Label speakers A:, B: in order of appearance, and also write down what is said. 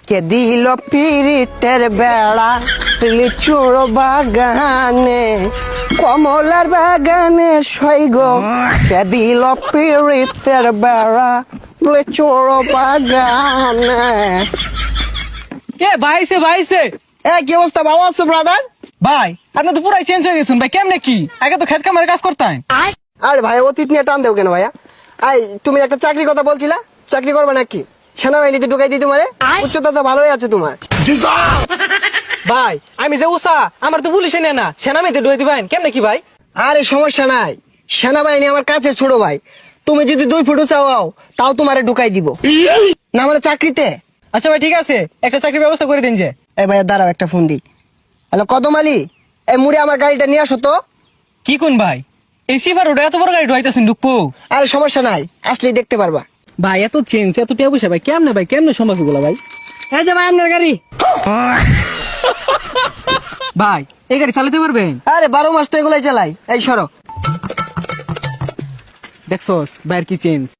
A: কে দিল পিরিতের বেড়া লিচুর বাগানে কমলার বাগানে সৈগ কে দিল পিরিতের বেড়া লিচুর বাগানে।
B: কে ভাইছে ভাইছে
A: কি অবস্থা, ভালো আছো ব্রাদার?
B: ভাই আপনি তো পুরাই চেঞ্জ হয়ে গেছেন ভাই, কেমনে কি আগে তো খেত কামারে কাজ করতেন।
A: আরে ভাই অতীত নিয়ে টান দেও কেন ভাইয়া? তুমি একটা চাকরির কথা বলছিলা, চাকরি করবে নাকি? সেনাবাহিনীতে ঢুকাই দিই তোমারে, উচ্চতা তো ভালোই আছে তোমার।
B: ভাই আমি যে উষা আমার তো পুলিশে নেয় না, সেনাবাহিনীতে ঢুকে দিবেন কেমনে কি ভাই?
A: আরে সমস্যা নাই, সেনাবাহিনী আমার কাছে ছোট ভাই। তুমি যদি 2 ফুট চাও তাও তোমারে ঢুকাই দিব না মানে চাকরিতে।
B: আচ্ছা ভাই ঠিক আছে, একটা চাকরির ব্যবস্থা করে দিন যে।
A: এই ভাইয়া দাঁড়াও, একটা ফোন দিই। হ্যালো কদম আলী, এই মুড়ে আমার গাড়িটা নিয়ে আসো তো।
B: কি কোন ভাই এই সিফার ওটা এত বড় গাড়ি ঢুকাইতেছেন ঢুকবো?
A: আরে সমস্যা নাই, আসলেই দেখতে পারবা।
B: ভাই এত চেঞ্জ এত টিয়া পয়সা ভাই কেমনে সম্ভব এগুলো ভাই? এই যে ভাই আপনার গাড়ি। ভাই এই গাড়ি চালাতে পারবেন?
A: আরে 12 মাস তো এগুলাই চালাই। এই সরো।
B: দেখছোস ভাইয়ের কি চেঞ্জ।